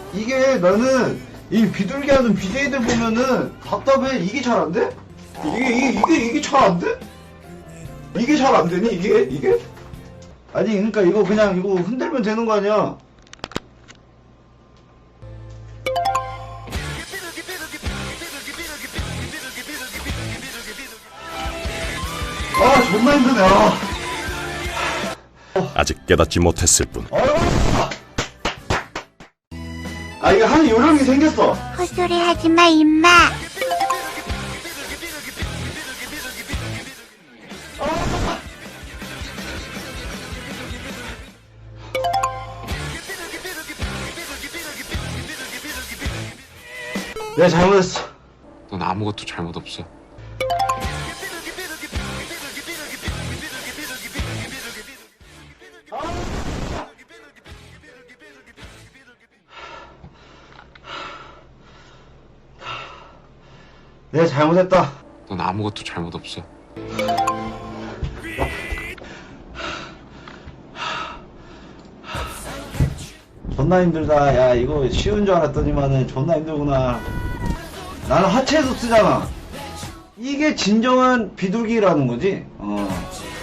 이게 나는 이 비둘기 하는 BJ들 보면은 답답해. 이게 잘 안 돼? 이게 잘 안 돼? 이게 잘 안 되니? 이게? 아니, 그러니까 이거 그냥 이거 흔들면 되는 거 아니야? 아, 존나 힘드네. 아직 깨닫지 못했을 뿐. 아, 이게 하는 요령이 생겼어. 헛소리 하지마 임마. 내가 잘못했어. 넌 아무것도 잘못 없어. 내가 잘못했다. 넌 아무것도 잘못 없어. 존나 힘들다. 야, 이거 쉬운 줄 알았더니만은 존나 힘들구나. 나는 하체에서 쓰잖아. 이게 진정한 비둘기라는 거지.